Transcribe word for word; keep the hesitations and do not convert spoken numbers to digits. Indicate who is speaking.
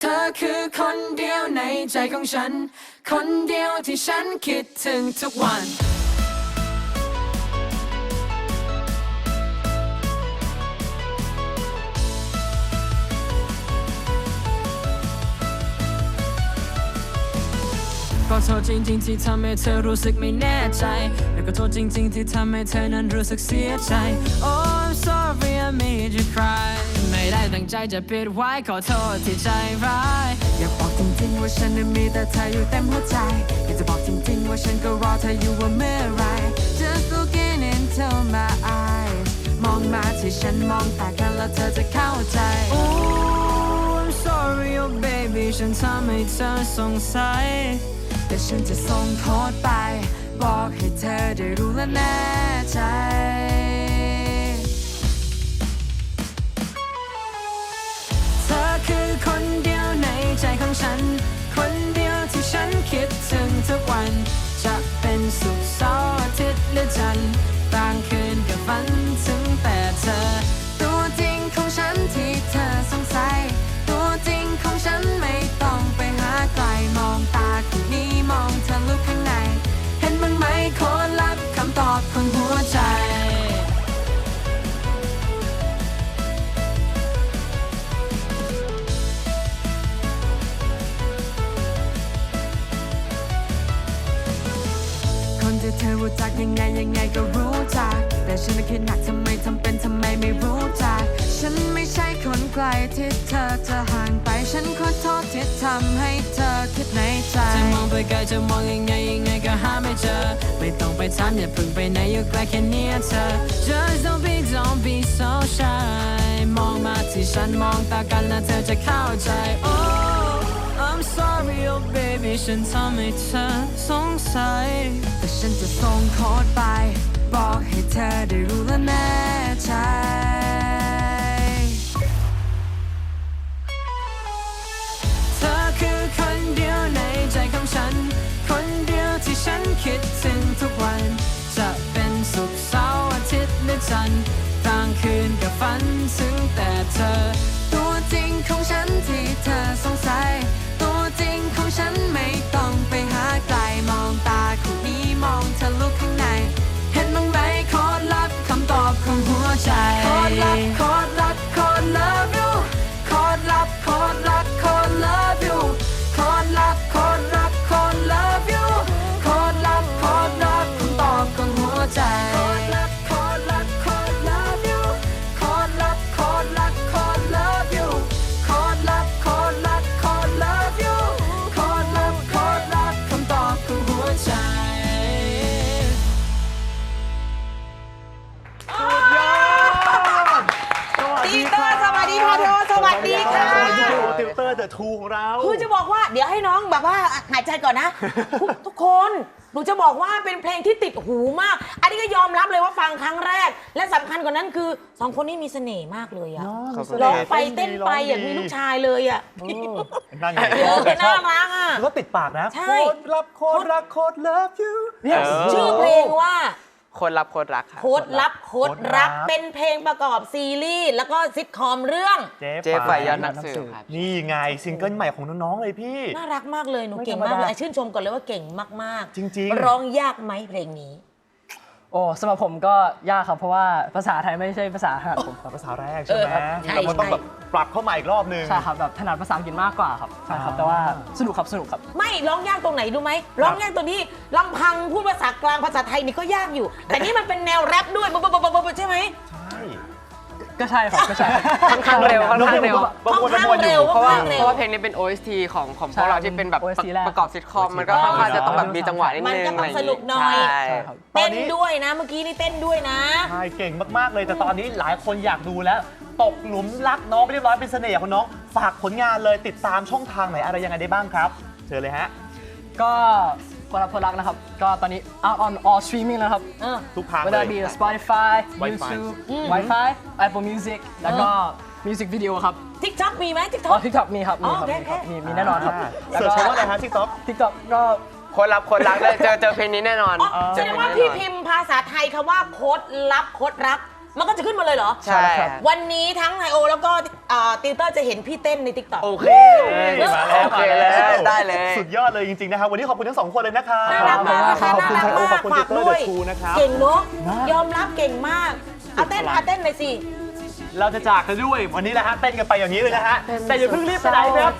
Speaker 1: เธอคือคนเดียวในใจของฉันคนเดียวที่ฉันคิดถึงทุกวันก็โทษจริงๆที่ทำให้เธอรู้สึกไม่แน่ใจแล้วก็โทษจริงๆที่ทำให้เธอนั้นรู้สึกเสียใจ Oh I'm sorry I made you cry ไม่ได้ตั้งใจจะปิดไว้ขอโทษที่ใจร้ายอยากบอกจริงๆว่าฉันนั้นมีแต่เธออยู่เต็มหัวใจอยากจะบอกจริงๆว่าฉันก็รอเธออยู่ว่าเมื่อไร Just looking into my eyes มองมาที่ฉันมองตากันแล้วเธอจะเข้าใจ Oh I'm sorry oh baby ฉันทำให้เธอสงสัยแต่ฉันจะส่งโค้ดไปบอกให้เธอได้รู้และแน่ใจเธอคือคนเดียวในใจของฉันคนเดียวที่ฉันคิดถึงทุกวันจะเป็นศุกร์เสาร์อาทิตย์หรือจันทร์บางคืนก็ฝันถึงแต่เธอตัวจริงของฉันที่เธอสงสัยตัวจริงของฉันไม่ต้องไปหาไกลมองตาคนนี้มองเธอลุกข้างในเห็นบ้างไหมโค้ดลับคำตอบของหัวใจคนที่เธอรู้จักยังไงยังไงก็รู้จักแต่ฉันคิดหนักทำไมทำเป็นทำไมไม่รู้จักฉันไม่ใช่คนไกลที่เธอจะห่างไปฉันขอโทษที่ทำให้เธอคิดในใจจะมองไปไกลจะมองยังไงยังไงก็หาไม่เจอไม่ต้องไปถามอย่าเพิ่งไปไหนอยู่ใกล้แค่เนี้ยเธอ Just don't be don't be so shy มองมาที่ฉันมองตากันแล้วเธอจะเข้าใจ Oh I'm sorry oh baby ฉันทำให้เธอสงสัยแต่ฉันจะส่งโค้ดไปบอกให้เธอได้รู้และแน่ใจเธอคือคนเดียวในใจของฉันคนเดียวที่ฉันคิดถึงทุกวันจะเป็นศุกร์เสาร์อาทิตย์หรือจันทร์กลางคืนก็ฝันถึงแต่เธอตัวจริงของฉันที่เธอสงสัยตัวจริงของฉันไม่ต้องไปหาไกลมองตาคนนี้มองเธอลุกข้างในเห็นบ้างไหมโค้ดลับคำตอบของหัวใจโค้ดลับโค้ดลับโค้ด love you โค้ดลับโค้ดลับโค้ด love you โค้ดลับโค้ดลับโค้ด love you โค้ดลับโค้ดลับคำตอบของหัวใจโค้ดลับโค้ดลับโค้ด love you โค้ดลับโค้ดลับโค้ด love you โค้ดลับโค้ดลับโค้ด love you โค้ดลับโค้ดลับคำตอบของหัวใจ
Speaker 2: ติวเตอร์สวัสดีค่ะโทสวัสดีค่ะ
Speaker 3: ติวเตอร์เดอะทูของเรา
Speaker 2: คือจะบอกว่าเดี๋ยวให้น้องแบบว่าหายใจก่อนนะ ทุกทุกคนหนูจะบอกว่าเป็นเพลงที่ติดหูมาก อันนี้ก็ยอมรับเลยว่าฟังครั้งแรก และสำคัญกว่านั้นคือสองคนนี้มีเสน่ห์มากเลยอะร้องไปเต้นไปอย่างมีลูกชายเลยอะ
Speaker 3: นั่นไง
Speaker 2: เออน่ารักอะ
Speaker 3: แล้วก็ติดปากนะ
Speaker 2: ใช่
Speaker 3: โคตรรับโคตรรักโคตร love you เนี่ย
Speaker 2: ชื่อเพลงว่า
Speaker 4: คนรับคนรักค่ะ
Speaker 2: โค้ดลับโค้ดรักเป็นเพลงประกอบซีรีส์แล้วก็ซิทคอมเรื่อง
Speaker 4: เจ๊ฝ่ายยอดนักสืบครับ
Speaker 3: นี่ไงซิงเกิลใหม่ของน้องๆเลยพี่
Speaker 2: น่ารักมากเลยหนู
Speaker 3: ไม่
Speaker 2: เก่ง
Speaker 3: ธรรม
Speaker 2: มาก
Speaker 3: ดา
Speaker 2: เลยชื่นชมก่อนเลยว่าเก่งมากๆ
Speaker 3: จริงๆ
Speaker 2: ร้องยากไหมเพลงนี้
Speaker 5: โอ้สำหรับผมก็ยากครับเพราะว่าภาษาไทยไม่ใช่ภาษาถนัดผมครับ
Speaker 3: ภาษาแรกใช่ไหม
Speaker 2: เออใช่
Speaker 3: เรามันต้อง
Speaker 2: ใช่
Speaker 3: แบบปรับเข้ามาอีกรอบนึง
Speaker 5: ใช่ครับแบบถนัดภาษาอังกฤษมากกว่าครับใช่ครับแต่ว่าสนุกครับสนุกครับ
Speaker 2: ไม่ร้องยากตรงไหนรู้ไหมร้องยากตรงนี้ลำพังพูดภาษากลางภาษาไทยนี่ก็ยากอยู่ แต่นี่มันเป็นแนวแรปด้วยบบบบบบใช่ไหม
Speaker 3: ใช่
Speaker 5: ก็ใช่ครับก็ใช่
Speaker 4: ค่อนข้างเร็วค่อนข้างเร็ว
Speaker 3: บางคน
Speaker 2: ค่อนข้าง
Speaker 3: บางคนอ
Speaker 2: เร็
Speaker 3: ยู่
Speaker 2: ว
Speaker 4: เพราะว่า
Speaker 2: ค่อนข้างเร็ว
Speaker 4: เพราะว่าเพลงนี้เป็น โอ เอส ที ของของพวกเราที่เป็นแบบ
Speaker 5: โอ เอส ที แรก
Speaker 4: ประกอบซิทคอมมันก็ค่อนข้างจะต้องแบบมีจังหวะนิด
Speaker 2: มัน
Speaker 4: นึง
Speaker 2: ก็ต้อง
Speaker 4: อะไรอย่าง
Speaker 2: สนุกหน่อย
Speaker 4: ใช่
Speaker 5: ใช่ครับ
Speaker 2: เต้นด้วยนะเมื่อกี้นี่เต้นด้วยนะ
Speaker 3: ใช่เก่งมากๆเลยแต่ตอนนี้หลายคนอยากดูแล้ว ตกหลุมรักน้องไปเรียบร้อยเป็นเสน่ห์ของน้องฝากผลงานเลยติดตามช่องทางไหนอะไรยังไงได้บ้างครับเชิญเลยฮะ
Speaker 5: ก็คนรับคนรักนะครับ ก็ตอนนี้ out on all streaming แล้วครับ
Speaker 2: เออ
Speaker 3: ทุกทาง
Speaker 5: ไม่
Speaker 3: เล
Speaker 5: ได้
Speaker 3: ย
Speaker 5: มี Spotify
Speaker 3: Wi-Fi
Speaker 5: YouTube Wi-Fi Apple Music แล้วก็ Music Video ครับ
Speaker 2: ทิกท็อกมีไหมทิกท็
Speaker 5: อ๋
Speaker 2: อ
Speaker 5: อก TikTok มีครับ
Speaker 2: อ๋
Speaker 5: มี
Speaker 2: อ
Speaker 5: ครับ
Speaker 2: โอเค
Speaker 5: มีครับ
Speaker 2: โอเค
Speaker 5: มีมีแน่นอนครับ
Speaker 3: เสิร์ชคำว่าอะไรฮะทิกต็อก
Speaker 5: TikTok ก็
Speaker 4: คนรับคนรักเลยเจอเจอเพลงนี้แน่นอน
Speaker 2: อ๋อแส
Speaker 4: เจอ
Speaker 2: ดง
Speaker 4: เพลง
Speaker 2: ว่า
Speaker 4: นี้
Speaker 2: พี่
Speaker 4: แน่นอน
Speaker 2: พิมพ์ภาษาไทยคำว่าโค้ดลับโค้ดรักมันก็จะขึ้นมาเลยเหรอ
Speaker 4: ใช่
Speaker 2: วันนี้ทั้งไฮโอแล้วก็อ่าติวเตอร์จะเห็นพี่เต้นในติ๊กต็อก
Speaker 4: โอเค
Speaker 3: มาแล้ว
Speaker 4: โอเค
Speaker 3: มา
Speaker 4: เลย
Speaker 3: แล้ว
Speaker 4: ได้เลย
Speaker 3: สุดยอดเลยจริงๆนะครับวันนี้ขอบคุณทั้งสองคนเลยนะครับ
Speaker 2: น่ารักมากนะคะ
Speaker 3: ขอบคุณ
Speaker 2: น่า
Speaker 3: ไท
Speaker 2: รัก
Speaker 3: โอ
Speaker 2: มาก
Speaker 3: ขอบคุณ
Speaker 2: ฝา
Speaker 3: ติ
Speaker 2: ก
Speaker 3: เตอร์
Speaker 2: ด้
Speaker 3: เด
Speaker 2: วย
Speaker 3: อะชูนะครับ
Speaker 2: เก่งเนาะ
Speaker 3: นะ
Speaker 2: ยอมรับเก่งมากเอาเต้นเอาเต้นเลยสิ
Speaker 3: เราจะจากกันด้วยวันนี้แหละฮะเต้นกันไปอย่างนี้เลยนะฮะแต่อย่าเพิ่งรีบไปไหนครับ